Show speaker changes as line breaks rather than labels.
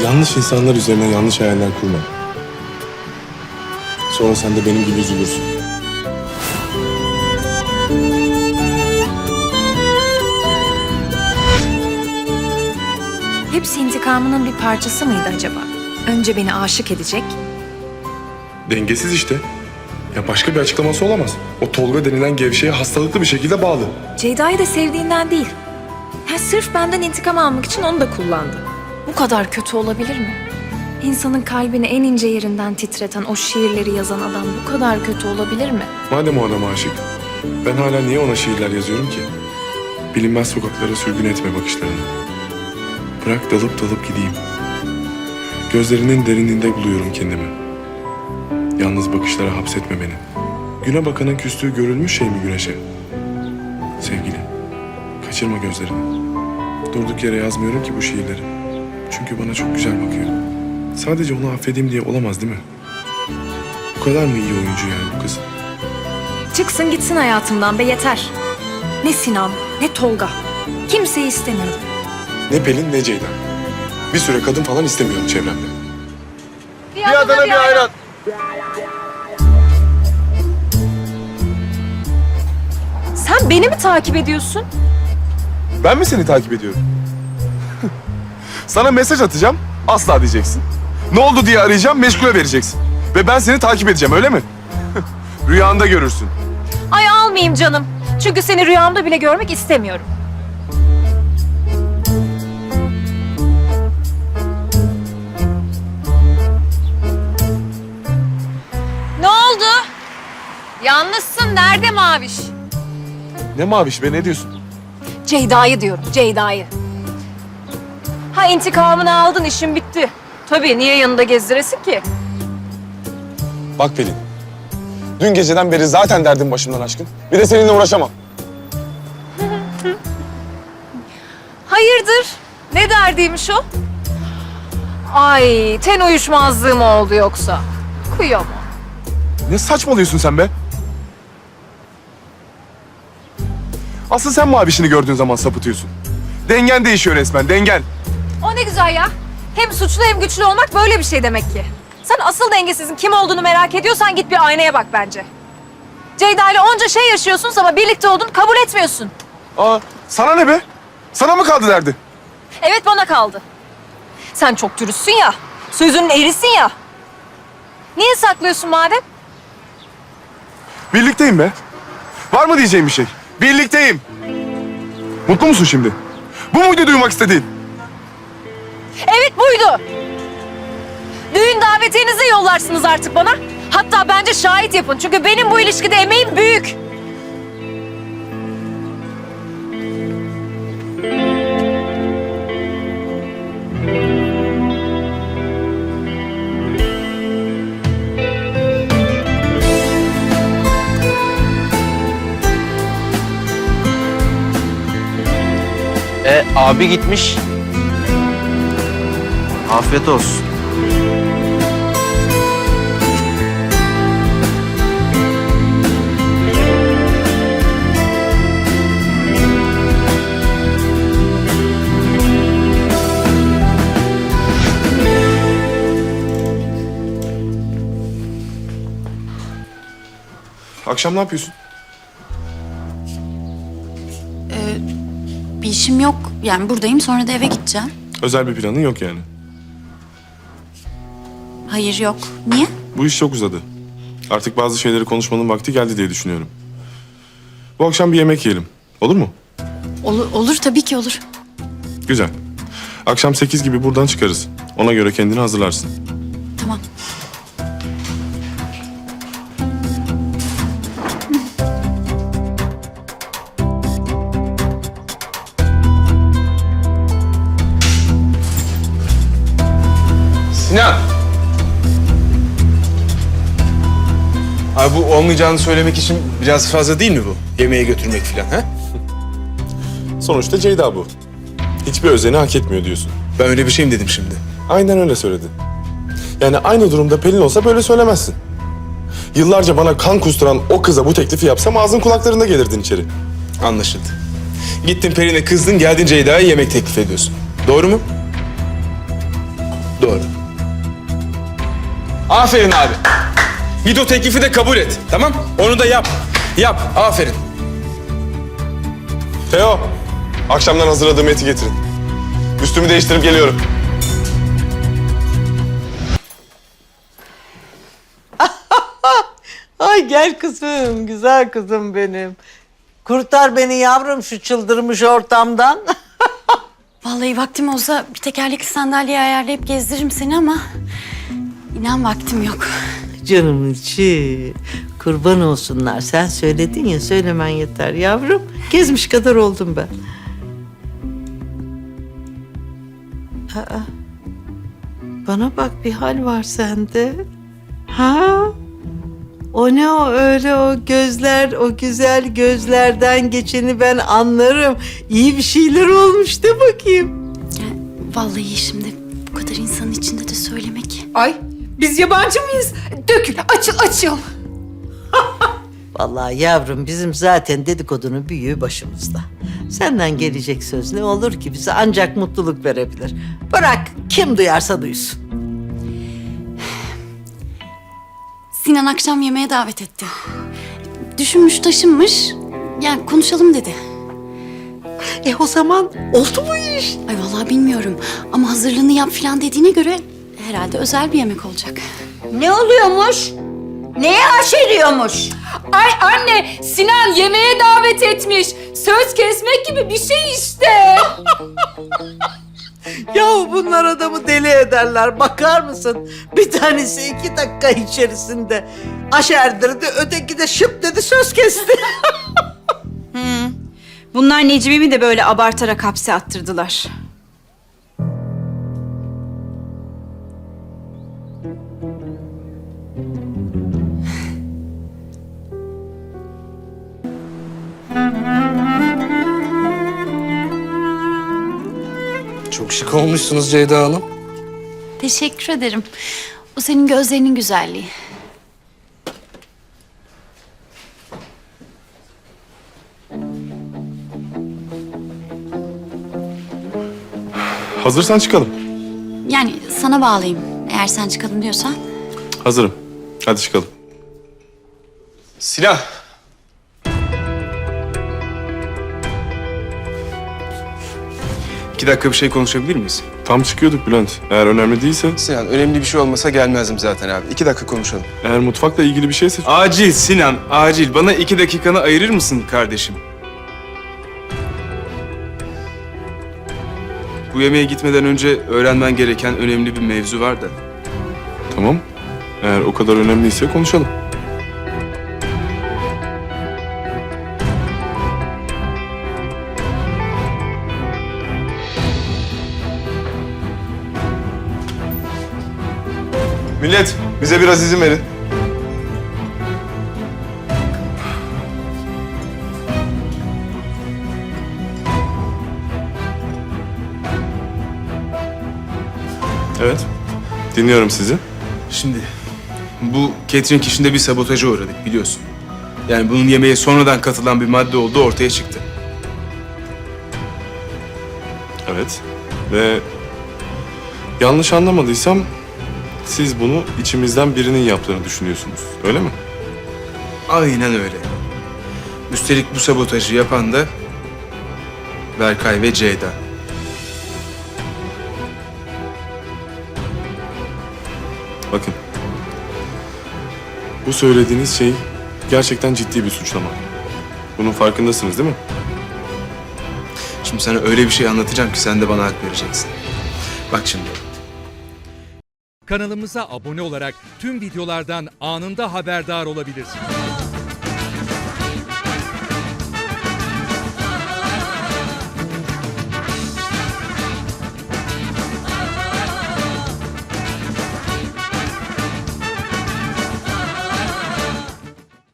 Yanlış insanlar üzerine yanlış hayaller kurma. Sonra sen de benim gibi üzülürsün.
Hepsi intikamının bir parçası mıydı acaba? Önce beni aşık edecek.
Dengesiz işte. Ya başka bir açıklaması olamaz. O Tolga denilen gevşeye hastalıklı bir şekilde bağlı.
Ceyda'yı da sevdiğinden değil. Ha, sırf benden intikam almak için onu da kullandı. Bu kadar kötü olabilir mi? İnsanın kalbini en ince yerinden titreten o şiirleri yazan adam bu kadar kötü olabilir mi?
Madem o adama aşık, ben hala niye ona şiirler yazıyorum ki? Bilinmez sokaklara sürgün etme bakışlarını. Bırak dalıp dalıp gideyim. Gözlerinin derinliğinde buluyorum kendimi. Yalnız bakışlara hapsetme beni. Güne bakanın küstüğü görülmüş şey mi güneşe? Sevgili, kaçırma gözlerini. Durduk yere yazmıyorum ki bu şiirleri. Çünkü bana çok güzel bakıyor. Sadece onu affedeyim diye olamaz değil mi? Bu kadar mı iyi oyuncu yani bu kız?
Çıksın gitsin hayatımdan be, yeter. Ne Sinan, ne Tolga. Kimseyi istemiyorum.
Ne Pelin ne Ceyda. Bir süre kadın falan istemiyorum çevremde.
Bir Adana bir ayran.
Sen beni mi takip ediyorsun?
Ben mi seni takip ediyorum? Sana mesaj atacağım, asla diyeceksin. Ne oldu diye arayacağım, meşgule vereceksin. Ve ben seni takip edeceğim, öyle mi? Rüyanda görürsün.
Ay almayayım canım. Çünkü seni rüyamda bile görmek istemiyorum. Ne oldu? Yalnızsın. Nerede Maviş?
Ne maviş be, ne diyorsun?
Ceyda'yı diyorum, Ceyda'yı. Ha, intikamını aldın, işin bitti. Tabii, niye yanında gezdiresin ki?
Bak Pelin, dün geceden beri zaten derdim başımdan aşkın. Bir de seninle uğraşamam.
Hayırdır? Ne derdiymiş o? Ay, ten uyuşmazlığı mı oldu yoksa? Kıyamam.
Ne saçmalıyorsun sen be? Asıl sen mavişini gördüğün zaman sapıtıyorsun. Dengen değişiyor resmen, dengen.
O ne güzel ya. Hem suçlu hem güçlü olmak böyle bir şey demek ki. Sen asıl dengesizin kim olduğunu merak ediyorsan git bir aynaya bak bence. Ceyda ile onca şey yaşıyorsunuz ama birlikte olduğunu kabul etmiyorsun.
Aa, sana ne be? Sana mı kaldı derdi?
Evet, bana kaldı. Sen çok dürüstsün ya. Sözünün erisin ya. Niye saklıyorsun madem?
Birlikteyim be. Var mı diyeceğim bir şey? Birlikteyim. Mutlu musun şimdi? Bu muydu duymak istediğin?
Evet, buydu. Düğün davetiyenizi yollarsınız artık bana. Hatta bence şahit yapın. Çünkü benim bu ilişkide emeğim büyük.
Abi gitmiş. Afiyet olsun.
Akşam ne yapıyorsun?
Bir işim yok. Yani buradayım, sonra da eve gideceğim.
Özel bir planın yok yani.
Hayır, yok. Niye?
Bu iş çok uzadı. Artık bazı şeyleri konuşmanın vakti geldi diye düşünüyorum. Bu akşam bir yemek yiyelim. Olur mu?
Olur tabii ki olur.
Güzel. Akşam 8 gibi buradan çıkarız. Ona göre kendini hazırlarsın.
Tamam.
Sinan.
Abi bu olmayacağını söylemek için biraz fazla değil mi bu? Yemeğe götürmek falan ha?
Sonuçta Ceyda bu. Hiçbir özeni hak etmiyor diyorsun.
Ben öyle bir şey mi dedim şimdi?
Aynen öyle söyledin. Yani aynı durumda Pelin olsa böyle söylemezsin. Yıllarca bana kan kusturan o kıza bu teklifi yapsam ağzın kulaklarında gelirdin içeri.
Anlaşıldı. Gittin Pelin'e kızdın, geldin Ceyda'ya yemek teklif ediyorsun. Doğru mu? Doğru. Aferin abi. Git o teklifi de kabul et. Tamam? Onu da yap. Yap. Aferin.
Teo, akşamdan hazırladığım eti getirin. Üstümü değiştirip geliyorum.
Ay gel kızım, güzel kızım benim. Kurtar beni yavrum şu çıldırmış ortamdan.
Vallahi vaktim olsa bir tekerlekli sandalye ayarlayıp gezdiririm seni ama... ...inan vaktim yok.
Canımın içi. Kurban olsunlar. Sen söyledin ya, söylemen yeter yavrum. Gezmiş kadar oldum ben. Aa, bana bak, bir hal var sende. Ha? O ne o öyle, o gözler, o güzel gözlerden geçeni ben anlarım. İyi bir şeyler olmuş de bakayım.
Yani vallahi şimdi bu kadar insanın içinde de söylemek...
Ay biz yabancı mıyız? Dökül, açıl, açıl.
Vallahi yavrum, bizim zaten dedikodunun büyüğü başımızda. Senden gelecek söz ne olur ki, bize ancak mutluluk verebilir. Bırak kim duyarsa duysun.
Sinan akşam yemeğe davet etti. Düşünmüş taşınmış. Yani konuşalım dedi.
O zaman oldu bu iş.
Ay vallahi bilmiyorum. Ama hazırlığını yap falan dediğine göre... ...herhalde özel bir yemek olacak.
Ne oluyormuş? Neye aşeriyormuş?
Ay anne, Sinan yemeğe davet etmiş. Söz kesmek gibi bir şey işte.
Yahu bunlar adamı deli ederler, bakar mısın? Bir tanesi 2 dakika içerisinde aşerdirdi, öteki de şıp dedi, söz kesti.
Bunlar Necmi'mi de böyle abartarak hapse attırdılar.
Çok şık olmuşsunuz Ceyda Hanım.
Teşekkür ederim. O senin gözlerinin güzelliği.
Hazırsan çıkalım.
Yani sana bağlayayım. Eğer sen çıkalım diyorsan.
Hazırım. Hadi çıkalım.
Sinan.
İki dakika bir şey konuşabilir miyiz?
Tam çıkıyorduk Bülent. Eğer önemli değilse,
Sinan, önemli bir şey olmasa gelmezdim zaten abi. 2 dakika konuşalım.
eğer mutfakla ilgili bir şeyse...
Acil Sinan, acil. Bana 2 dakikanı ayırır mısın kardeşim? Bu yemeğe gitmeden önce öğrenmen gereken önemli bir mevzu var da.
Tamam. Eğer o kadar önemliyse konuşalım.
Millet, bize biraz izin verin.
Evet. Dinliyorum sizi.
Şimdi bu catering işinde bir sabotaja uğradık biliyorsun. Yani bunun yemeğe sonradan katılan bir madde olduğu ortaya çıktı.
Evet. Ve yanlış anlamadıysam siz bunu içimizden birinin yaptığını düşünüyorsunuz. Öyle mi?
Aynen öyle. Üstelik bu sabotajı yapan da Berkay ve Ceyda.
Bakın. Bu söylediğiniz şey gerçekten ciddi bir suçlama. Bunun farkındasınız değil mi?
Şimdi sana öyle bir şey anlatacağım ki sen de bana hak vereceksin. Bak şimdi.
Kanalımıza abone olarak tüm videolardan anında haberdar olabilirsiniz.